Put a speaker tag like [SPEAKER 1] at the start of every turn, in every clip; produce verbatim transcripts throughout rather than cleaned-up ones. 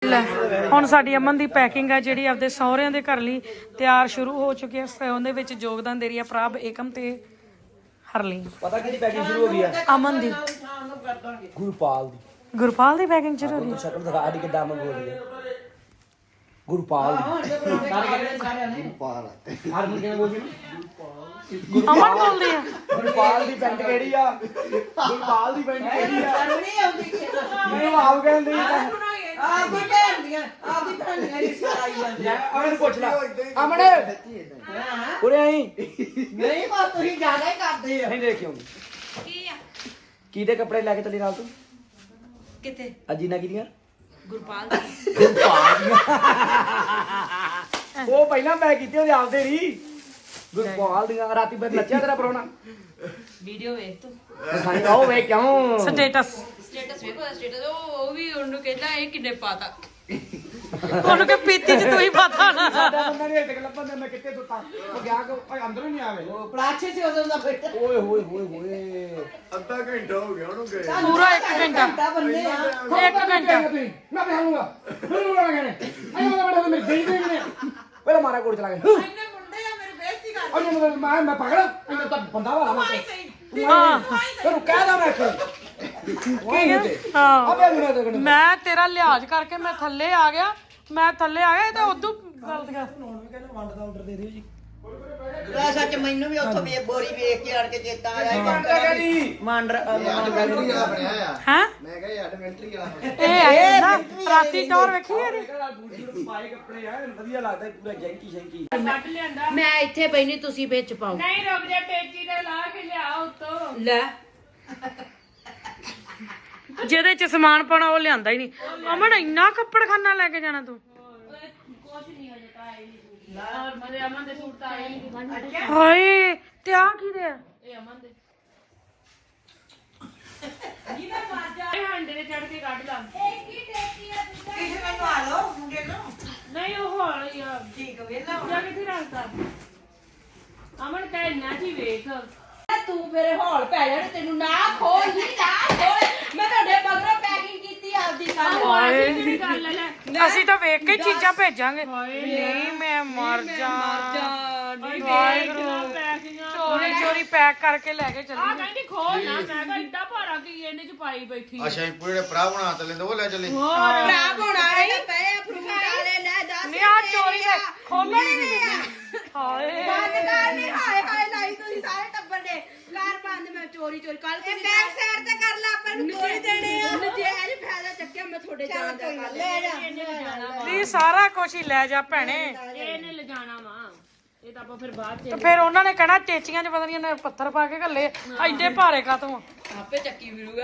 [SPEAKER 1] ਲੈ ਹੁਣ ਸਾਡੀ ਅਮਨ ਦੀ ਪੈਕਿੰਗ ਹੈ ਜਿਹੜੀ ਆਪਦੇ ਸਹੁਰਿਆਂ ਦੇ ਘਰ ਲਈ ਤਿਆਰ ਸ਼ੁਰੂ ਹੋ ਚੁੱਕੀ ਹੈ। ਉਹਦੇ ਵਿੱਚ ਯੋਗਦਾਨ ਦੇ ਰਹੀ ਹੈ ਪ੍ਰਭ, ਏਕਮ ਤੇ ਹਰਲੀ।
[SPEAKER 2] ਪਤਾ ਕਿਹਦੀ ਪੈਕਿੰਗ ਸ਼ੁਰੂ ਹੋ ਗਈ ਹੈ?
[SPEAKER 1] ਅਮਨ ਦੀ।
[SPEAKER 2] ਗੁਰਪਾਲ ਦੀ।
[SPEAKER 1] ਗੁਰਪਾਲ ਦੀ ਪੈਕਿੰਗ ਸ਼ੁਰੂ ਹੋ ਗਈ।
[SPEAKER 2] ਸ਼ਕਲ ਦਿਖਾ ਸਾਡੀ ਕਿੱਦਾਂ ਅਮਨ ਬੋਲਦੀ ਹੈ। ਗੁਰਪਾਲ ਦੀ। ਗੁਰਪਾਲ ਹਰ ਮੁੰਡੇ ਨੇ ਬੋਲਦੀ
[SPEAKER 1] ਅਮਨ ਬੋਲਦੀ ਆ।
[SPEAKER 2] ਗੁਰਪਾਲ ਦੀ ਪੈਂਟ ਕਿਹੜੀ ਆ? ਗੁਰਪਾਲ ਦੀ ਪੈਂਟ ਕਿਹੜੀ ਆ? ਮੈਨੂੰ ਆਪ ਕਹਿੰਦੇ ਆ ਕੋਈ ਕਹਿੰਦੀਆਂ ਆਪ ਦੀ ਭੈਣੀਆਂ ਦੀ ਸਰਾਈ ਜਾਂਦੀ ਆ। ਅਮਨ ਪੁੱਛ ਲੈ ਅਮਨ ਉਰੇ ਆਈ। ਨਹੀਂ ਬਾ ਤੁਸੀਂ ਜ਼ਿਆਦਾ ਹੀ ਕਰਦੇ ਆ। ਨਹੀਂ ਦੇਖਿਓ ਕੀ ਆ ਕਿਹਦੇ ਕੱਪੜੇ ਲੈ ਕੇ ਚੱਲੀ ਨਾਲ ਤੂੰ? ਕਿੱਥੇ? ਅਜੀਨਾ ਕਿਹਦੀਆਂ? ਗੁਰਪਾਲ ਦੀ। ਗੁਰਪਾਲ ਦੀਆਂ ਉਹ ਪਹਿਲਾਂ ਮੈਂ ਕੀਤੀ ਉਹਦੇ ਆਪਦੇ ਨਹੀਂ। ਗੁਰਪਾਲ ਦੀਆਂ ਰਾਤੀ ਬਦ ਨੱਚਿਆ ਤੇਰਾ ਪਰੋਣਾ। ਵੀਡੀਓ ਵੇਖ ਤੂੰ ਦਿਖਾਈ ਉਹ ਵੇਖ ਕਿਉਂ
[SPEAKER 1] ਸਟੇਟਸ
[SPEAKER 3] ਸਟੇਟਸ ਵੇਖੋ ਸਟੇਟਸ ਉਹ ਵੀ ਉਹਨੂੰ ਕਹਿੰਦਾ ਇਹ ਕਿੰਨੇ ਪਾਤਾ
[SPEAKER 1] ਉਹਨੂੰ ਕਿ ਪੀਤੀ ਚ ਤੂੰ ਹੀ ਪਤਾ ਨਾ।
[SPEAKER 2] ਸਾਡਾ ਬੰਦਾ ਨਹੀਂ ਹੱਟ ਕੇ ਲੱਭਣ ਦੇ। ਮੈਂ ਕਿੱਥੇ ਸੁੱਤਾ ਉਹ ਗਿਆ ਕਿ ਓਏ ਅੰਦਰੋਂ ਹੀ ਨਹੀਂ ਆਵੇ। ਉਹ ਪਲਾਛੇ ਸੀ ਉਦੋਂ ਦਾ ਬੈਠਾ। ਓਏ ਹੋਏ ਹੋਏ ਹੋਏ
[SPEAKER 4] ਅੱਧਾ ਘੰਟਾ ਹੋ ਗਿਆ ਉਹਨੂੰ ਗਏ।
[SPEAKER 1] ਪੂਰਾ ਇੱਕ ਘੰਟਾ
[SPEAKER 2] ਬੰਦੇ ਆ
[SPEAKER 1] ਇੱਕ ਘੰਟਾ
[SPEAKER 2] ਮੈਂ ਬਹਾਉਂਗਾ ਮੈਨੂੰ ਬਣਾ ਕੇ ਆਇਆ ਮੈਂ ਬੜਾ ਮੇਰੇ ਦੇਈ ਦੇਈ ਨੇ ਪਹਿਲਾਂ ਮਾਰਾ ਕੋਲ ਚਲਾ ਗਿਆ।
[SPEAKER 3] ਇੰਨੇ ਮੁੰਡੇ ਆ ਮੇਰੀ ਬੇਇੱਜ਼ਤੀ ਕਰ
[SPEAKER 2] ਉਹਨੇ ਮੈਂ ਮੈਂ ਪਕੜ ਇਹਨੇ ਤਾਂ ਬੰਦਾ ਵਾਲਾ ਮੈਂ
[SPEAKER 1] ਹਾਂ
[SPEAKER 2] ਤੈਨੂੰ ਕਹਿਦਾ ਮੈਂ
[SPEAKER 1] ਹਾਂ ਮੈਂ ਤੇਰਾ ਲਿਹਾਜ਼ ਕਰਕੇ ਮੈਂ ਥੱਲੇ ਆ ਗਿਆ। ਮੈਂ ਥੱਲੇ ਆ ਗਿਆ ਇਹ ਤਾਂ ਉਦੋਂ ਗਲਤ ਗਿਆ।
[SPEAKER 2] ਵੰਡ ਦਾ ਆਰਡਰ ਦੇ ਦਿਓ ਜੀ।
[SPEAKER 5] ਆ ਸੱਚ ਮੈਨੂੰ ਵੀ ਉੱਥੋਂ ਵੀ ਬੋਰੀ ਵੇਖ ਕੇ ਆੜ ਕੇ ਚੇਤਾ ਆਇਆ ਮੰਡ
[SPEAKER 4] ਐਡਵੈਂਟਰੀ ਵਾਲਾ ਬਣਿਆ ਆ।
[SPEAKER 1] ਹੈ
[SPEAKER 4] ਮੈਂ ਕਿਹਾ ਐਡਵੈਂਟਰੀ ਵਾਲਾ
[SPEAKER 1] ਇਹ ਹੈ ਨਾ ਰਾਤੀ ਟੌਰ ਵੇਖੀ ਇਹਦੀ।
[SPEAKER 2] ਪਾਏ ਕੱਪੜੇ ਆ ਵਧੀਆ ਲੱਗਦਾ ਪੂਰਾ ਜੈਂਕੀ ਸ਼ੈਂਕੀ।
[SPEAKER 3] ਮੈਂ ਇੱਥੇ ਪਈ ਨਹੀਂ ਤੁਸੀਂ ਵਿੱਚ ਪਾਓ।
[SPEAKER 1] ਨਹੀਂ ਰੁਕ ਜਾ ਟੇਚੀ ਤੇ ਲਾ ਕੇ ਲਿਆ ਉੱਤੋਂ।
[SPEAKER 3] ਲੈ
[SPEAKER 1] ਜਿਹਦੇ ਚ ਸਮਾਨ ਪਾਉਣਾ ਉਹ ਲਿਆਂਦਾ ਹੀ ਨਹੀਂ। ਅਮਨ ਇੰਨਾ ਕੱਪੜਖਾਨਾ ਲੈ ਕੇ ਜਾਣਾ ਤੂੰ? ਹਾਏ ਤੇ ਆ ਕੀ ਦੇ? ਇਹ ਅਮਨ ਦੇ। ਇਹ ਹੰਡੇ ਦੇ ਚੜ ਕੇ ਕੱਢ ਲਾ। ਇਹ ਕੀ ਟੇਚੀ ਆ ਤੁਸੀਂ?
[SPEAKER 5] ਕਿਸੇ ਮੈਨੂੰ ਆ ਲਓ ਮੁੰਡੇ ਨੂੰ
[SPEAKER 1] ਨਹੀਂ ਉਹ ਹੌਲੀ ਆ।
[SPEAKER 5] ਠੀਕ ਵੇਲਾ
[SPEAKER 1] ਜਾ ਕਿੱਥੇ ਰੱਖਦਾ? ਅਮਨ ਕਹਿ ਨਾ ਜੀ ਵੇਖ
[SPEAKER 3] ਤੂੰ ਮੇਰੇ ਹੌਲ ਪੈ ਜਾਣੇ ਤੈਨੂੰ ਨਾ ਖੋਲ ਹੀ ਨਾ ਖੋਲ। ਮੈਂ ਤੁਹਾਡੇ ਮਗਰੋਂ ਪੈਕਿੰਗ ਕੀਤੀ ਆਪਦੀ ਕੱਲ।
[SPEAKER 1] ਅਸੀਂ ਤਾਂ ਵੇਖ ਕੇ ਚੀਜ਼ਾਂ ਭੇਜਾਂਗੇ। ਨਹੀਂ ਮੈਂ ਮਰ ਜਾ। ਚੋਰੀ ਚੋਰੀ ਪੈਕ ਕਰਕੇ ਲੈ ਕੇ ਚੱਲੀ। ਆ ਕਹਿੰਦੀ ਖੋਲ ਨਾ। ਮੈਂ ਕਿਹਾ ਇੱਡਾ ਭਾਰਾ ਕੀ ਇਹਨੇ ਚ ਪਾਈ ਬੈਠੀ।
[SPEAKER 4] ਅੱਛਾ ਇਹ ਪੂਰੇ ਭਰਾ ਬਣਾ ਤੇ ਲੈਂਦੇ ਉਹ ਲੈ ਚੱਲੇ।
[SPEAKER 3] ਭਰਾ ਬਣਾ ਰਹੇ ਪਏ ਫਰੂਟ ਵਾਲੇ ਲੈ ਦੱਸ।
[SPEAKER 1] ਨਹੀਂ ਆ ਚੋਰੀ ਹੈ ਖੋਲਣ ਹੀ ਨਹੀਂ ਦਿੰਦੀ। ਹਾਏ
[SPEAKER 3] ਬੰਦ ਕਰ ਨਹੀਂ। ਹਾਏ ਹਾਏ ਲਾਈ ਤੁਸੀਂ ਸਾਰੇ ਟੱਬਰ ਨੇ ਕਾਰ ਬੰਦ। ਮੈਂ ਚੋਰੀ ਚੋਰੀ ਕੱਲ ਤੁਸੀਂ ਬੈਕ ਸਾਈਡ ਤੇ ਕਰ ਲਾ ਆਪਾਂ ਨੂੰ ਕੋਈ ਦੇਣੇ ਆ। ਨਜਾਇਜ਼ ਫਾਇਦਾ ਚੱਕਿਆ ਮੈਂ ਤੁਹਾਡੇ ਜਾਣ ਦਾ ਕਰ ਲੈ ਜਾ।
[SPEAKER 1] ਨਹੀਂ ਸਾਰਾ ਕੁਝ ਹੀ ਲੈ ਜਾ ਭੈਣੇ।
[SPEAKER 6] ਇਹਨੇ ਲਿਜਾਣਾ ਵਾ ਇਹ ਤਾਂ ਆਪਾਂ ਫਿਰ ਬਾਅਦ ਚ।
[SPEAKER 1] ਤੇ ਫਿਰ ਉਹਨਾਂ ਨੇ ਕਹਿਣਾ ਟੇਚੀਆਂ 'ਚ ਪਤਾ ਨਹੀਂ ਇਹਨੇ ਪੱਥਰ ਪਾ ਕੇ ਘੱਲੇ ਐਡੇ ਭਾਰੇ ਕਾਤੋਂ।
[SPEAKER 3] ਆਪੇ ਚੱਕੀ ਫਿਰੂਗਾ।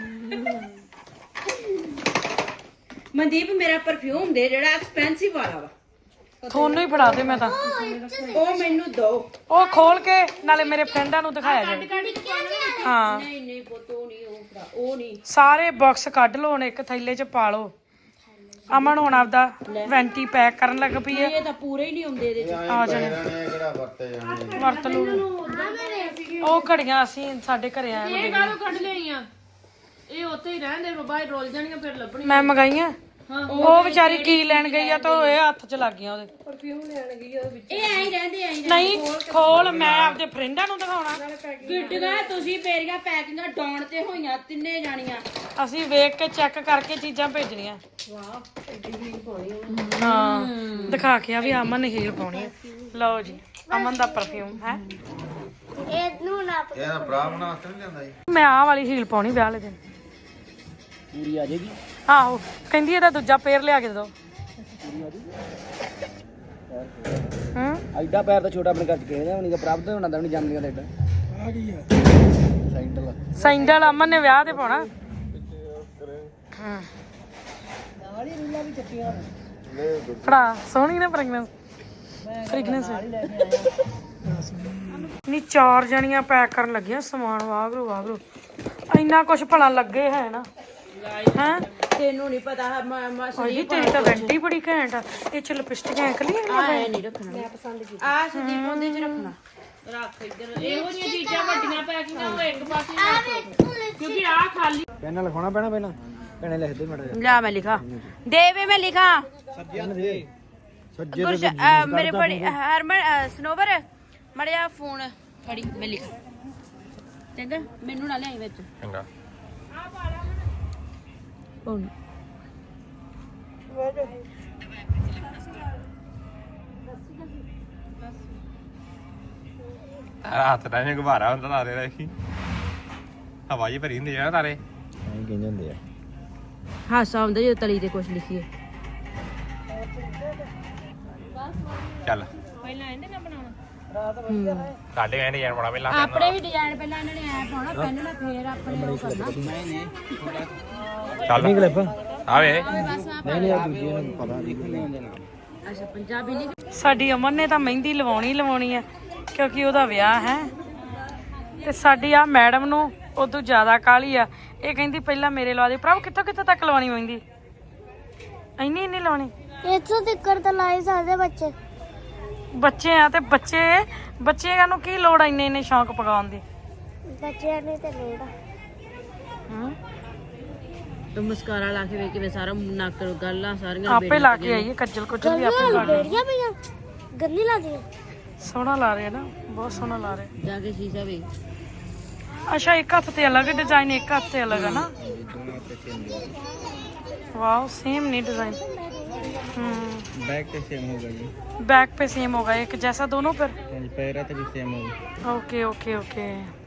[SPEAKER 3] ਮਨਦੀਪ ਮੇਰਾ ਪਰਫਿਊਮ ਦੇ ਜਿਹੜਾ ਐਕਸਪੈਂਸਿਵ ਵਾਲਾ ਵਾ
[SPEAKER 1] ਤੁਹਾਨੂੰ ਹੀ ਫੜਾ ਦੇ। ਮੈਂ ਤਾਂ
[SPEAKER 3] ਉਹ ਮੈਨੂੰ ਦੋ।
[SPEAKER 1] ਉਹ ਖੋਲ ਕੇ ਨਾਲੇ ਮੇਰੇ ਫਰੈਂਡਾਂ ਨੂੰ ਦਿਖਾਇਆ ਜਾਵੇ। ਹਾਂ
[SPEAKER 3] ਨਹੀਂ ਨਹੀਂ ਪੁੱਤ ਉਹ ਨਹੀਂ ਉਹ ਭਰਾ ਉਹ ਨਹੀਂ।
[SPEAKER 1] ਸਾਰੇ ਬਾਕਸ ਕੱਢ ਲਓ ਹੁਣ ਇੱਕ ਥੈਲੇ 'ਚ ਪਾ ਲਓ। ਅਮਨ ਹੁਣ ਆਪਦਾ ਵੈਂਟੀ ਪੈਕ ਕਰਨ ਲੱਗ ਪਈ ਹੈ।
[SPEAKER 3] ਇਹ ਤਾਂ ਪੂਰੇ ਹੀ ਨਹੀਂ ਹੁੰਦੇ ਇਹਦੇ ਚ।
[SPEAKER 1] ਆ ਜਾਣੇ
[SPEAKER 4] ਕਿਹੜਾ ਵਰਤੇ ਜਾਣੇ
[SPEAKER 1] ਵਰਤ ਲੂ। ਉਹ ਘੜੀਆਂ ਅਸੀਂ ਸਾਡੇ ਘਰੇ ਆਏ
[SPEAKER 6] ਇਹ ਕਾਹਦੋਂ ਕੱਢ ਲਈਆਂ? ਇਹ ਉੱਥੇ ਹੀ ਰਹਿੰਦੇ ਬਾਹਰ ਰੋਲ ਜਾਣੀਆਂ ਫਿਰ ਲੱਭਣੀ।
[SPEAKER 1] ਮੈਂ ਮੰਗਾਈਆਂ। ਉਹ ਵਿਚਾਰੀ ਕੀ ਲੈਣ ਗਈ ਆ ਤਾਂ ਇਹ ਹੱਥ 'ਚ ਲੱਗ ਗਈਆਂ ਉਹਦੇ।
[SPEAKER 3] ਇਹ ਐਂ ਹੀ ਰਹਿੰਦੇ ਐਂ
[SPEAKER 1] ਨਹੀਂ ਖੋਲ ਮੈਂ ਆਪਦੇ ਫਰੈਂਡਾਂ ਨੂੰ ਦਿਖਾਉਣਾ।
[SPEAKER 3] ਗਿੱਟਗਾ ਤੁਸੀਂ ਮੇਰੀਆਂ ਪੈਕਿੰਗਾਂ ਡਾਉਣ ਤੇ ਹੋਈਆਂ ਤਿੰਨੇ ਜਾਣੀਆਂ।
[SPEAKER 1] ਅਸੀਂ ਵੇਖ ਕੇ ਚੈੱਕ ਕਰਕੇ ਚੀਜ਼ਾਂ ਭੇਜਣੀਆਂ।
[SPEAKER 3] ਵਾਹ ਐਡੀ ਹੀਲ ਪਾਉਣੀ
[SPEAKER 1] ਹਾਂ ਦਿਖਾ ਕੇ ਆ ਵੀ ਅਮਨ ਨੇ ਹੀਲ ਪਾਉਣੀ ਹੈ। ਲਓ ਜੀ ਅਮਨ ਦਾ ਪਰਫਿਊਮ ਹੈ।
[SPEAKER 4] ਇਹਦਾ ਭਰਾ ਬਣਾ ਤੇ ਨਹੀਂ ਲੈਂਦਾ ਜੀ।
[SPEAKER 1] ਮੈਂ ਆਹ ਵਾਲੀ ਹੀਲ ਪਾਉਣੀ ਵਿਆਹ ਵਾਲੇ ਦਿਨ।
[SPEAKER 2] ਪੂਰੀ ਆ ਜਾਏਗੀ।
[SPEAKER 1] ਆਹੋ ਕਹਿੰਦੀ ਇਹਦਾ ਦੂਜਾ ਪੇਰ ਲਿਆ ਕੇ ਦੇ ਦੋ। ਹਾਂ
[SPEAKER 2] ਐਡਾ ਪੈਰ ਤਾਂ ਛੋਟਾ ਆਪਣੇ ਘਰ ਚ ਕਿਸੇ ਦਾ ਨਹੀਂ। ਪ੍ਰਭ ਤਾਂ ਹੁੰਦਾ ਨਹੀਂ ਜੰਮਦੀਆਂ ਤੇ ਐਡਾ ਆ ਗਈ ਆ ਸੈਂਡਲ।
[SPEAKER 1] ਸੈਂਡਲ ਅਮਨ ਨੇ ਵਿਆਹ ਤੇ ਪਾਉਣਾ। ਹਾਂ
[SPEAKER 2] ਵਾਲੀ ਰੀਲਾਂ ਵੀ ਚੱਟੀਆਂ
[SPEAKER 1] ਫੜਾ ਸੋਹਣੀ ਨੇ ਫ੍ਰੈਗਨੈਂਸ ਫ੍ਰੈਗਨੈਂਸ ਨਹੀਂ। ਚਾਰ ਜਣੀਆਂ ਪੈਕ ਕਰਨ ਲੱਗੀਆਂ ਸਮਾਨ। ਵਾਗਰੂ ਵਾਗਰੂ ਇੰਨਾ ਕੁਛ ਭਲਾ ਲੱਗੇ ਹੈ ਨਾ ਹੈ।
[SPEAKER 3] ਤੈਨੂੰ ਨਹੀਂ ਪਤਾ
[SPEAKER 1] ਭਾਈ ਤੇਰੀ ਤਾਂ ਵੈਂਟੀ ਬੜੀ ਘੈਂਟ ਆ। ਇਹ ਚ ਲਿਪਸਟਿਕ ਐਂਕ ਲਈ
[SPEAKER 3] ਐ ਨਹੀਂ ਰੱਖਣਾ। ਮੈਂ ਪਸੰਦ ਕੀਤੀ ਆ ਸੰਦੀਪ ਉਹਦੇ ਚ ਰੱਖਣਾ।
[SPEAKER 6] ਰੱਖ ਇੱਧਰ ਇਹੋ ਜਿਹੀਆਂ ਚੀਜ਼ਾਂ ਵੱਡੀਆਂ ਪੈਕਿੰਗਾਂ ਉਹ ਇੱਕ ਪਾਸੇ ਰੱਖ ਕਿਉਂਕਿ ਆਹ ਖਾਲੀ।
[SPEAKER 2] ਪੈਨ ਲਿਖਾਉਣਾ ਪੈਣਾ ਪਹਿਲਾਂ। ਭੈਣੇ ਲਿਖ ਦੇ ਮਾੜਾ
[SPEAKER 3] ला मैं लिखा दे वे मैं लिखा
[SPEAKER 2] ਸੱਜੇ ਸੱਜੇ
[SPEAKER 3] कुछ अ, मेरे बड़ी हरमन अ, सनोवर मड़िया फोन फड़ी मैं लिखा चंगा मेनू ना ले आई विच
[SPEAKER 7] ਚੰਗਾ
[SPEAKER 3] फोन
[SPEAKER 7] ਹੱਥ ਦਾ ਜਿਹਾ ਗੁਬਾਰਾ ਹੁੰਦਾ ਤਾਰੇ ਦਾ ਹੀ ਹਵਾ ਜੀ ਭਰੀ ਹੁੰਦੀ ਆ ਨਾ ਤਾਰੇ
[SPEAKER 2] ਐਂ ਕਹਿੰਦੇ ਹੁੰਦੇ ਆ
[SPEAKER 3] हासा आंदा जो तली ते कुछ लिखिए
[SPEAKER 7] ਚੱਲ
[SPEAKER 6] ਪਹਿਲਾਂ ਇਹਦੇ ਨਾਲ ਬਣਾਉਣਾ
[SPEAKER 7] ਸਾਡੇ ਕਹਿੰਦੇ ਯਾਰ ਬੜਾ ਪਹਿਲਾਂ
[SPEAKER 3] ਆਪਣੇ ਵੀ ਡਿਜ਼ਾਈਨ ਪਹਿਲਾਂ ਇਹਨਾਂ ਨੇ ਐ ਪਾਉਣਾ ਪੈਨ ਨਾਲ ਫੇਰ ਆਪਣੇ ਉਹ ਕਰਨਾ
[SPEAKER 7] ਚੱਲ
[SPEAKER 2] ਕਲਿੱਪ
[SPEAKER 7] ਆਵੇ
[SPEAKER 2] ਨਹੀਂ ਨਹੀਂ ਆ ਦੂਜੀ ਨੂੰ ਪਤਾ ਨਹੀਂ
[SPEAKER 3] ਅੱਛਾ ਪੰਜਾਬੀ ਲਿਖ
[SPEAKER 1] ਸਾਡੀ ਅਮਨ ਨੇ ਤਾਂ ਮਹਿੰਦੀ ਲਵਾਉਣੀ ਲਵਾਉਣੀ ਆ ਕਿਉਂਕਿ ਉਹਦਾ ਵਿਆਹ ਹੈ ਤੇ ਸਾਡੀ ਆ ਮੈਡਮ ਨੂੰ ਉਦੋਂ ਜ਼ਿਆਦਾ ਕਾਹਲੀ ਆ ਇਹ ਕਹਿੰਦੀ ਪਹਿਲਾਂ ਮੇਰੇ ਲਵਾ ਦੇ ਭਰਾ ਕਿੱਥੋਂ ਕਿੱਥੋਂ ਤੱਕ ਲਵਾਉਣੀ ਮਹਿੰਦੀ ਇੰਨੀ ਇੰਨੀ ਲਾਉਣੀ
[SPEAKER 8] ਇੱਥੋਂ ਤਿੱਕਰ ਤਾਂ ਲਾਏ ਸਕਦੇ ਬੱਚੇ
[SPEAKER 1] ਬੱਚੇ ਆ ਤੇ ਬੱਚੇ ਬੱਚਿਆਂ ਨੂੰ ਕੀ ਲੋੜ ਆ ਇੰਨੇ ਇੰਨੇ ਸ਼ੌਂਕ ਪਕਾਉਣ ਦੀ
[SPEAKER 8] ਬੱਚਿਆਂ ਨੇ ਤੇ ਲੋੜ ਆ
[SPEAKER 1] ਹਮ?
[SPEAKER 3] तो मस्कारा ला के वे के वे सारा नक गल्ला सारियां
[SPEAKER 1] ਆਪੇ ਲਾ ਕੇ ਆਈਏ ਕੱਜਲ ਕੁੱਜਲ ਵੀ ਆਪੇ ਲਾ ਕੇ
[SPEAKER 8] ਬੇੜੀਆਂ ਪਈਆਂ ਗੰਨੀ ਲਾ ਦੀਆਂ
[SPEAKER 1] ਸੋਹਣਾ ਲਾ ਰਹੇ ਨਾ ਬਹੁਤ ਸੋਹਣਾ ਲਾ ਰਹੇ
[SPEAKER 3] जाके शीशा वे
[SPEAKER 1] ਅੱਛਾ ਇੱਕ ਹੱਥ ਤੇ ਅਲੱਗ ਡਿਜ਼ਾਈਨ ਇੱਕ ਹੱਥ ਤੇ ਅਲੱਗ ਹੈ ਨਾ ਵਾਓ सेम नहीं डिजाइन हम्म
[SPEAKER 2] बैक पे सेम होगा जी
[SPEAKER 1] बैक पे सेम होगा एक जैसा दोनों पर
[SPEAKER 2] पैरा पे भी सेम होगा
[SPEAKER 1] ओके ओके ओके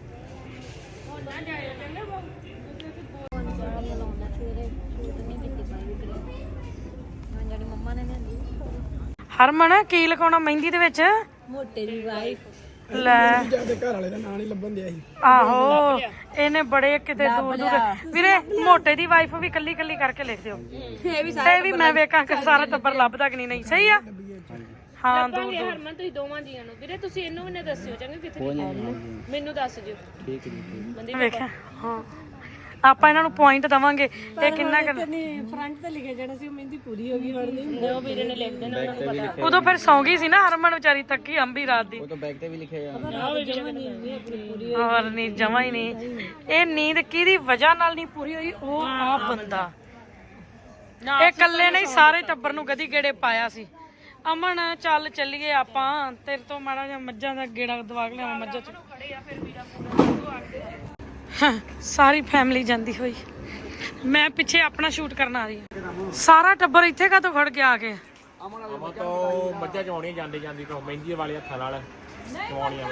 [SPEAKER 1] ਹਰਮਨ ਕੀ ਲਗਾਉਣਾ ਮਹਿੰਦੀ ਦੇ ਵਿੱਚ
[SPEAKER 3] मोटे दी वाइफ
[SPEAKER 1] ਲੈ
[SPEAKER 2] ਜਿਆਦਾ ਘਰ ਵਾਲੇ ਦਾ ਨਾਂ ਨਹੀਂ ਲੱਭਣ ਦਿਆ ਸੀ
[SPEAKER 1] ਆਹੋ ਇਹਨੇ ਬੜੇ ਕਿਤੇ ਦੂਰ ਦੂਰ ਵੀਰੇ ਮੋਟੇ ਦੀ ਵਾਈਫ ਵੀ ਕੱਲੀ ਕੱਲੀ ਕਰਕੇ ਲਿਖ ਦਿਓ
[SPEAKER 3] ये भी
[SPEAKER 1] ਤੇ ਵੀ ਮੈਂ ਵੇਖਾਂ ਕਿ ਸਾਰਾ ਟੱਬਰ ਲੱਭਦਾ ਕਿ ਨਹੀਂ ਨਹੀਂ ਸਹੀ ਆ ਹਾਂ ਦੂਰ ਦੂਰ
[SPEAKER 6] ਹਰਮਨ ਤੁਸੀਂ ਦੋਵਾਂ ਜੀਆਂ ਨੂੰ ਵੀਰੇ ਤੁਸੀਂ ਇਹਨੂੰ ਵੀ ਨਾ ਦੱਸਿਓ ਚੰਗਾ ਕਿੱਥੇ ਮੈਨੂੰ ਦੱਸ ਦਿਓ
[SPEAKER 2] ਠੀਕ ਜੀ
[SPEAKER 1] ਵੇਖਿਆ ਹਾਂ ਆਪਾਂ ਇਹਨਾਂ ਨੂੰ ਪੁਆਇੰਟ ਦਵਾਂਗੇ ਇਹ ਕਿੰਨਾ ਕਰ
[SPEAKER 6] ਫਰੰਟ ਤੇ ਲਿਖਿਆ ਜਾਣਾ ਸੀ ਉਹ ਮਹਿੰਦੀ ਪੂਰੀ ਹੋ ਗਈ ਹੁਣ ਨਹੀਂ ਉਹ ਵੀਰੇ ਨੇ ਲਿਖ ਦੇਣਾ ਉਹਨਾਂ ਨੂੰ ਪਤਾ
[SPEAKER 1] ਉਦੋਂ ਫਿਰ ਸੌਂ ਗਈ ਸੀ ਨਾ ਹਰਮਨ ਵਿਚਾਰੀ ਤੱਕੀ ਅੰਬੀ ਰਾਤ ਦੀ
[SPEAKER 2] ਉਹ ਤਾਂ ਬੈਕ ਤੇ ਵੀ ਲਿਖਿਆ ਆ
[SPEAKER 1] ਹੋਰ ਨਹੀਂ ਜਮਾ ਹੀ ਨਹੀਂ ਇਹ ਨੀਂਦ ਕਿਹਦੀ ਵਜ੍ਹਾ ਨਾਲ ਨਹੀਂ ਪੂਰੀ ਹੋਈ ਉਹ ਆ ਬੰਦਾ ਇਹ ਇਕੱਲੇ ਨਹੀਂ ਸਾਰੇ ਟੱਬਰ ਨੂੰ ਗਦੀ ਗੇੜੇ ਪਾਇਆ ਸੀ ਅਮਨ ਚੱਲ ਚੱਲੀਏ ਆਪਾਂ ਤੇਰੇ ਤੋਂ ਮਾੜਾ ਜਿਹਾ ਮੱਝਾਂ ਦਾ ਗੇੜਾ ਦਵਾ ਕੇ ਲਿਆਵਾਂ ਮੱਝਾਂ ਚ ਹਾਂ, ਸਾਰੀ ਫੈਮਿਲੀ ਜਾਂਦੀ ਹੋਈ ਮੈਂ ਪਿੱਛੇ ਆਪਣਾ ਸ਼ੂਟ ਕਰਨ ਆ ਰਹੀ ਹਾਂ ਸਾਰਾ ਟੱਬਰ ਇੱਥੇ ਕਾਹਤੋਂ ਖੜ ਕੇ ਆ ਕੇ
[SPEAKER 7] ਅਮਾ ਤੋਂ ਮੱਝਾਂ ਚੋਣੀਆਂ ਜਾਂਦੀ ਜਾਂਦੀ ਤੋਂ ਮਹਿੰਦੀ ਵਾਲੇ ਹੱਥਾਂ ਨਾਲ ਚਵਾਉਣੀਆਂ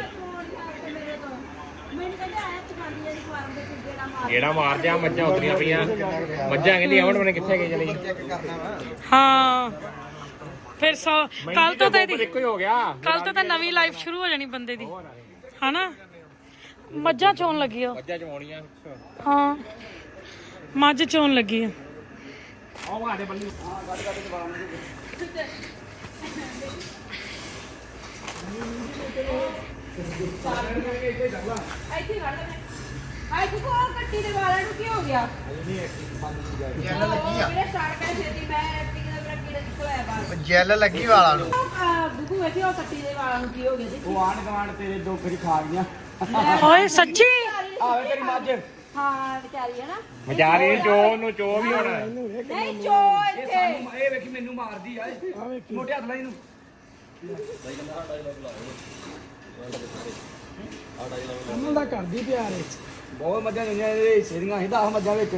[SPEAKER 7] ਗੇੜਾ ਮਾਰਦੇ ਆ ਮੱਝਾਂ ਉਤਰੀਆਂ ਪਈਆਂ ਮੱਝਾਂ ਕਹਿੰਦੀ ਅਮਨ ਮਨੇ ਕਿੱਥੇ ਗਏ ਚਲੇ
[SPEAKER 1] ਹਾਂ ਫਿਰ ਸੌ ਕੱਲ ਤੋਂ ਤਾਂ ਇਹਦੀ
[SPEAKER 7] ਇੱਕੋ ਹੀ ਹੋ ਗਿਆ
[SPEAKER 1] ਕੱਲ ਤੋਂ ਤਾਂ ਨਵੀਂ ਲਾਈਫ ਸ਼ੁਰੂ ਹੋ ਜਾਣੀ ਬੰਦੇ ਦੀ ਹਨਾ ਮੱਝਾਂ ਚੋਣ ਲੱਗੀ ਆ
[SPEAKER 7] ਮੱਝਾਂ ਚਵਾਉਣੀਆਂ
[SPEAKER 1] ਹਾਂ ਮੱਝ ਚੋਣ ਲੱਗੀ ਆ
[SPEAKER 7] ਆਹ ਸਾਡੇ ਬੱਲੀ
[SPEAKER 3] ਆਈ ਤੂੰ ਕੋ ਕੱਟੀ ਦੇ ਵਾਲਾਂ ਨੂੰ ਕੀ ਹੋ ਗਿਆ
[SPEAKER 4] ਜੈਲ ਲੱਗੀ ਆ
[SPEAKER 3] ਮੇਰੇ ਸਟਾਰਟ ਕਰ ਛੇਤੀ ਮੈਂ ਐਕਟਿੰਗ ਦਾ ਮੇਰਾ ਕੀੜਾ ਨਿਕਲ ਆਇਆ ਬਾਹਰ
[SPEAKER 4] ਜੈਲ ਲੱਗੀ ਵਾਲਾਂ ਨੂੰ
[SPEAKER 3] ਬੁੱਕੂ ਵੇਖੀ ਉਹ ਕੱਟੀ ਦੇ ਵਾਲਾਂ ਨੂੰ ਕੀ ਹੋ ਗਿਆ ਜੀ
[SPEAKER 2] ਉਹ ਆਣ ਗਵਾਂਡ ਤੇਰੇ ਦੋ ਖਰੀ ਖਾ ਗਈਆਂ
[SPEAKER 1] ਓਏ ਸੱਚੀ
[SPEAKER 2] ਆਵੇ ਤੇਰੀ ਮੱਝ
[SPEAKER 3] ਹਾਂ ਵਿਚਾਰੀ ਹੈ ਨਾ
[SPEAKER 7] ਵਿਚਾਰੀ ਚੋ ਨੂੰ ਚੋ ਵੀ ਹੋਣਾ
[SPEAKER 3] ਨਹੀਂ ਚੋ ਇੱਥੇ
[SPEAKER 2] ਇਹ ਵੇਖੀ ਮੈਨੂੰ ਮਾਰਦੀ ਆ ਮੋਟੇ ਹੱਥ ਨਾਲ ਇਹਨੂੰ ਉਹਨਾਂ ਦਾ ਕਰਦੀ ਪਿਆਰ ਏ ਬਹੁਤ ਮੱਝਾਂ ਹੋਈਆਂ ਇਹਦੇ ਹਿੱਸੇ ਦੀਆਂ ਸੀ ਦਸ ਮੱਝਾਂ ਵਿੱਚ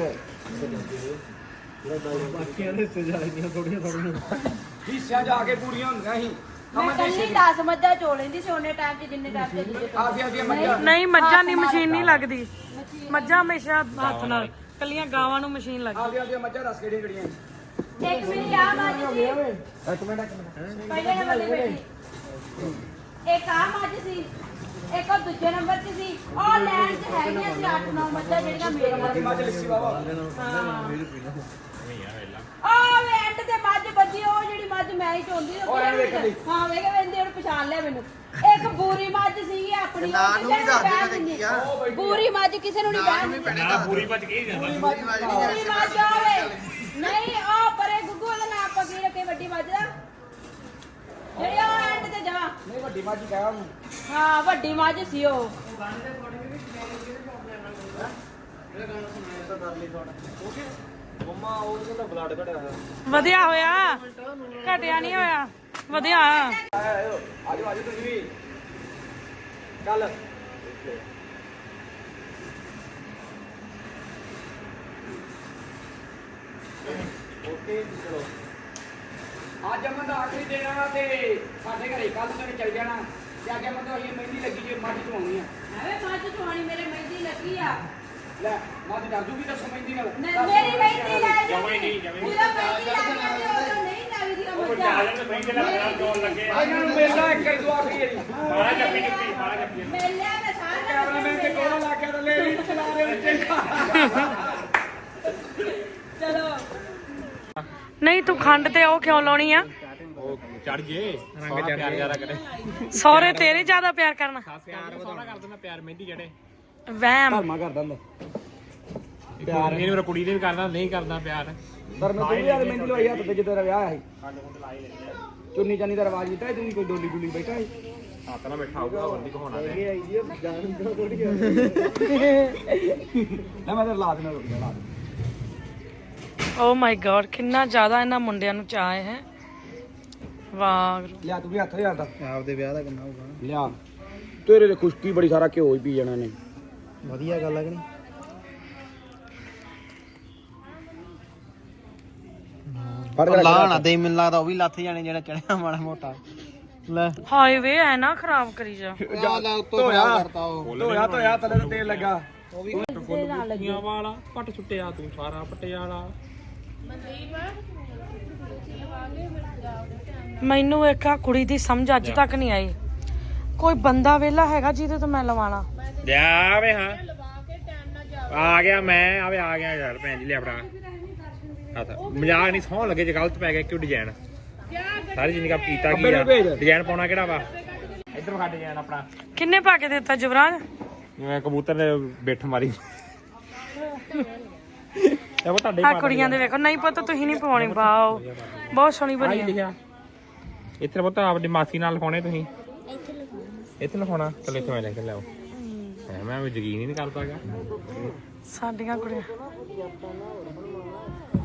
[SPEAKER 2] ਬਾਕੀਆਂ ਦੇ ਹਿੱਸੇ ਜਾਂਦੀਆਂ ਥੋੜੀਆਂ ਥੋੜੀਆਂ ਹਿੱਸਿਆਂ ਜਾ ਕੇ ਪੂਰੀਆਂ ਹੁੰਦੀਆਂ ਸੀ
[SPEAKER 3] ਮੈਂ ਕੱਲੀ ਦਸ ਮੱਝਾਂ ਚੋ ਲੈਂਦੀ ਸੀ ਉਹਨੇ ਟਾਈਮ 'ਚ ਜਿੰਨੇ ਟਾਈਮ 'ਚ ਜਿੱਦੇ
[SPEAKER 2] ਆਦੀਆਂ ਆਦੀਆਂ ਮੱਝਾਂ
[SPEAKER 1] ਨਹੀਂ ਮੱਝਾਂ ਦੀ ਮਸ਼ੀਨ ਨਹੀਂ ਲੱਗਦੀ ਮੱਝਾਂ ਹਮੇਸ਼ਾ ਹੱਥ ਨਾਲ ਕੱਲੀਆਂ ਗਾਵਾਂ ਨੂੰ ਮਸ਼ੀਨ ਲੱਗਦੀ
[SPEAKER 2] ਆਦੀਆਂ ਆਦੀਆਂ ਮੱਝਾਂ ਰਸ ਕਿਹੜੀਆਂ ਕਿਹੜੀਆਂ
[SPEAKER 3] ਇੱਕ ਮੇਰੀ ਆ ਮੱਝ ਸੀ
[SPEAKER 2] ਇੱਕ ਮਿੰਟ ਇੱਕ ਮਿੰਟ
[SPEAKER 3] ਪਹਿਲੇ ਨੰਬਰ ਤੇ ਬੈਠੀ ਇੱਕ ਆ ਮੱਝ ਸੀ ਇੱਕ ਉਹ ਦੂਜੇ ਨੰਬਰ 'ਚ ਸੀ ਉਹ ਲੈਣ 'ਚ ਹੈਗੀਆਂ ਸੀ ਅੱਠ ਨੌ ਮੱਝਾਂ ਜਿਹੜੀਆਂ ਮੇਰੀਆਂ
[SPEAKER 2] ਮੱਝ ਲਿੱਸੀ ਬਾਬਾ
[SPEAKER 3] ਆ ਵੇ ਐਂਡ ਤੇ ਮੱਝ ਬੱਜੀ ਉਹ ਜਿਹੜੀ ਮੱਝ ਮੈਂ ਹੀ ਚੋਂਦੀ
[SPEAKER 2] ਉਹ ਐਂ ਵੇਖ ਲਈ।
[SPEAKER 3] ਹਾਂ ਵੇਖ ਵੇਂਦੇ ਉਹਨੂੰ ਪਛਾਣ ਲਿਆ ਮੈਨੂੰ ਇੱਕ ਬੂਰੀ ਮੱਝ ਸੀਗੀ ਆਪਣੀ
[SPEAKER 4] ਨਾਂ
[SPEAKER 3] ਉਹ
[SPEAKER 4] ਨੂੰ
[SPEAKER 3] ਕਿਸੇ
[SPEAKER 4] ਵੀ ਦੱਸ
[SPEAKER 3] ਬਹਿਣ
[SPEAKER 4] ਦੇ
[SPEAKER 3] ਦਿੰਦੀ।
[SPEAKER 4] ਕੀ ਆ
[SPEAKER 3] ਬੂਰੀ ਮੱਝ ਕਿਸੇ ਨੂੰ ਨਹੀਂ ਬਹਿਣ ਦਿੰਦੀ
[SPEAKER 7] ਨਾ ਪੂਰੀ ਭੱਜ ਗਈ ਜਾਂਦਾ
[SPEAKER 4] ਪੂਰੀ ਵਾਲੀ ਨਹੀਂ
[SPEAKER 3] ਬੂਰੀ ਮੱਝ ਆਵੇ ਨਹੀਂ ਉਹ ਪਰੇ ਗੁੱਗੂ ਦਾ ਨਾਮ ਆਪਾਂ ਕੀ ਰੱਖੇ ਵੱਡੀ ਮੱਝ ਦਾ ਜਿਹੜੀ ਉਹ ਐਂਡ ਤੇ ਜਾ
[SPEAKER 2] ਨਹੀਂ ਵੱਡੀ ਮੱਝ ਕਹਿਆ ਉਹਨੂੰ
[SPEAKER 3] ਹਾਂ ਵੱਡੀ ਮੱਝ ਸੀ ਉਹ
[SPEAKER 2] ਮੰਮਾ ਉਹ ਕਹਿੰਦਾ ਬਲੱਡ ਘਟਿਆ
[SPEAKER 1] ਵਧੀਆ ਹੋਇਆ ਘਟਿਆ ਨਹੀਂ ਹੋਇਆ ਵਧੀਆ
[SPEAKER 2] ਆਜੋ ਆਜੋ ਤੁਸੀਂ ਵੀ ਚੱਲ ਓਕੇ ਚਲੋ ਅੱਜ ਅਮਨ ਦਾ ਆਖਰੀ ਦਿਨ ਆ ਤੇ ਸਾਡੇ ਘਰੇ ਕੱਲ ਤੱਕ ਚੱਲ ਜਾਣਾ ਤੇ ਅੱਜ ਅਮਨ ਦਾ ਇਹ ਮਹਿੰਦੀ ਲੱਗੀ ਜੇ ਮੱਝ ਚਵਾਉਣੀ ਆ
[SPEAKER 3] ਐਵੇਂ ਮੱਝ ਚੋਣੀ ਮੇਰੇ ਮਹਿੰਦੀ ਲੱਗੀ ਆ
[SPEAKER 2] ਲੈ ਮੱਝ ਦੱਸ ਦੂਗੀ ਤਾਂ ਮਹਿੰਦੀ ਨਾਲ
[SPEAKER 3] ਮੇਰੀ ਮਹਿੰਦੀ ਲੈ ਜਾ
[SPEAKER 7] ਜਮਾਂ ਹੀ ਨਹੀਂ, ਜਮਾਂ ਹੀ ਨਹੀਂ।
[SPEAKER 3] ਉਹਦਾ ਮਹਿੰਦੀ ਲੈ ਜਾਂਦੇ ਉਹ ਨਹੀਂ ਲੱਗਦੀ ਉਹ ਮੱਝਾਂ
[SPEAKER 2] ਆ ਇਹਨਾਂ ਨੂੰ ਮਿਲਦਾ ਇੱਕ ਹੀ ਦੁਆ ਕਰੀ ਜੀ
[SPEAKER 7] ਬਾਹਰ ਜੱਫੀ ਜੁੱਫੀ ਬਾਹਰ ਜੱਫੀ
[SPEAKER 3] ਮੇਲਿਆ ਮੈਂ ਸਾਰਾ
[SPEAKER 2] ਕੈਮਰਾਮੈਨ ਤੇ ਕੋਲਾ ਲਾ ਕੇ ਲੈ ਵੀ ਚਲਾ ਰਹੇ ਵਿੱਚ
[SPEAKER 3] ਚਲੋ
[SPEAKER 1] ਨਹੀਂ ਤੂੰ ਖੰਡ ਤੇ ਉਹ ਕਿਉਂ ਲਾਉਣੀ ਆ
[SPEAKER 7] ਉਹ ਚੜ ਜੇ ਰੰਗ ਚੜ ਪਿਆਰ ਜ਼ਿਆਦਾ ਕਰੇ
[SPEAKER 1] ਸਹੁਰੇ ਤੇਰੇ ਜ਼ਿਆਦਾ ਪਿਆਰ ਕਰਨਾ
[SPEAKER 7] ਪਿਆਰ ਸੋਹਣਾ ਕਰ ਦਿੰਦਾ ਪਿਆਰ ਮਹਿੰਦੀ ਜਿਹੜੇ
[SPEAKER 1] ਵਹਿਮ
[SPEAKER 2] ਧਰਮਾ ਕਰਦਾ ਹੁੰਦਾ
[SPEAKER 7] ਪਿਆਰ ਨਹੀਂ ਮੇਰਾ ਕੁੜੀ ਦੇ ਵੀ ਕਰਦਾ ਨਹੀਂ ਕਰਦਾ ਪਿਆਰ
[SPEAKER 2] ਪਰ ਮੈਂ ਤੂੰ ਵੀ ਯਾਰ ਮਹਿੰਦੀ ਲਵਾਈ ਹੱਥ ਤੇ ਜਦੋਂ ਤੇਰਾ ਵਿਆਹ ਸੀ ਚੁੰਨੀ ਚਾਨੀ ਦਾ ਰਿਵਾਜ ਕੀਤਾ ਤੂੰ ਕੋਈ ਡੋਲੀ ਡੁਲੀ ਬੈਠਾ ਸੀ
[SPEAKER 7] ਹੱਥ ਨਾਲ ਬੈਠਾ ਹੋਊਗਾ ਹੋਰ ਨਹੀਂ ਕਹਾਉਣਾ
[SPEAKER 2] ਇਹ ਆਈ ਜੀ ਜਾਨ ਦਾ ਥੋੜੀ ਨਾ ਮੈਂ ਤਾਂ ਲਾ ਦੇਣਾ ਰੁਕ ਜਾ ਲਾ ਦੇ
[SPEAKER 1] ਓ ਮਾਈ ਗॉड ਕਿੰਨਾ ਜ਼ਿਆਦਾ ਇਹਨਾਂ ਮੁੰਡਿਆਂ ਨੂੰ ਚਾਹ ਹੈ ਵਾਹ
[SPEAKER 2] ਲਿਆ ਤੂੰ ਵੀ ਹੱਥ ਲਿਆ ਦਾ ਆਪਦੇ ਵਿਆਹ ਦਾ ਕਿੰਨਾ ਹੋਊਗਾ ਲਿਆ ਤੇਰੇ ਤੇ ਖੁਸ਼ਕੀ ਬੜੀ ਸਾਰਾ ਘਿਓ ਹੀ ਪੀ ਜਾਣਾ ਨੇ ਵਧੀਆ ਗੱਲ ਹੈ ਕਿ ਨਹੀਂ
[SPEAKER 4] ਲਾਣਾ ਦੇ ਮੈਨੂੰ ਲੱਗਦਾ ਉਹ ਵੀ ਲੱਥ ਜਾਣੇ ਜਿਹੜਾ ਚੜਿਆ ਮਾੜਾ ਮੋਟਾ ਲੈ
[SPEAKER 1] ਹਾਈਵੇ ਐ ਨਾ ਖਰਾਬ ਕਰੀ ਜਾ
[SPEAKER 2] ਧੋਇਆ ਧੋਇਆ ਧੋਇਆ ਥੱਲੇ ਤੇ ਤੇਲ ਲੱਗਾ
[SPEAKER 7] ਫੁੱਲੀਆਂ ਵਾਲਾ ਪੱਟ ਛੁੱਟਿਆ ਤੂੰ ਸਾਰਾ ਪੱਟਿਆ ਵਾਲਾ
[SPEAKER 1] ਮੈਨੂੰ ਇੱਕ ਆ ਕੁੜੀ ਦੀ ਸਮਝ ਅੱਜ ਤੱਕ ਨਹੀਂ ਆਈ ਕੋਈ ਬੰਦਾ ਵੇਲਾ ਹੈਗਾ ਜਿਹਦੇ ਤੋਂ ਮੈਂ ਲਵਾਣਾ
[SPEAKER 7] ਲਿਆ ਵੇ ਹਾਂ ਆ ਗਿਆ ਮੈਂ ਆਵੇ ਆ ਗਿਆ ਯਾਰ ਭੈਣ ਜੀ ਲੈ ਆਪਣਾ ਹੱਥ ਮਜ਼ਾਕ ਨਹੀਂ ਸੌਂ ਲੱਗੇ ਜੇ ਗਲਤ ਪੈ ਗਿਆ ਕਿਉਂ ਡਿਜ਼ਾਈਨ ਸਾਰੀ ਜ਼ਿੰਦਗੀ ਕੀਤਾ ਕੀ ਆ ਡਿਜ਼ਾਈਨ ਪਾਉਣਾ ਕਿਹੜਾ ਵਾ ਇੱਧਰ ਵਿਖਾ ਡਿਜ਼ਾਈਨ ਆਪਣਾ
[SPEAKER 1] ਕਿੰਨੇ ਪਾ ਕੇ ਦਿੱਤਾ ਜੁਵਰਾਜ
[SPEAKER 7] ਜਿਵੇਂ ਕਬੂਤਰ ਨੇ ਬਿੱਠ ਮਾਰੀ ਇਹ ਉਹ ਤੁਹਾਡੇ
[SPEAKER 1] ਆ ਕੁੜੀਆਂ ਦੇ ਵੇਖੋ ਨਹੀਂ ਪੁੱਤ ਤੁਸੀਂ ਨਹੀਂ ਪਵਾਉਣੀ ਵਾਓ ਬਹੁਤ ਸੋਹਣੀ ਬਣੀ ਹੈ
[SPEAKER 7] ਲਿਖਿਆ ਇੱਥੇ ਪੁੱਤ ਆਪਣੀ ਮਾਸੀ ਨਾਲ ਲਿਖਾਉਣੇ ਤੁਸੀਂ ਇੱਥੇ ਲਿਖਾਉਣਾ ਚਲ ਇੱਥੇ ਮੈਂ ਲਿਖ ਲਿਆਓ ਮੈਂ ਵੀ ਯਕੀਨ ਹੀ ਨਹੀਂ ਕਰਦਾਗਾ
[SPEAKER 1] ਸਾਡੀਆਂ ਕੁੜੀਆਂ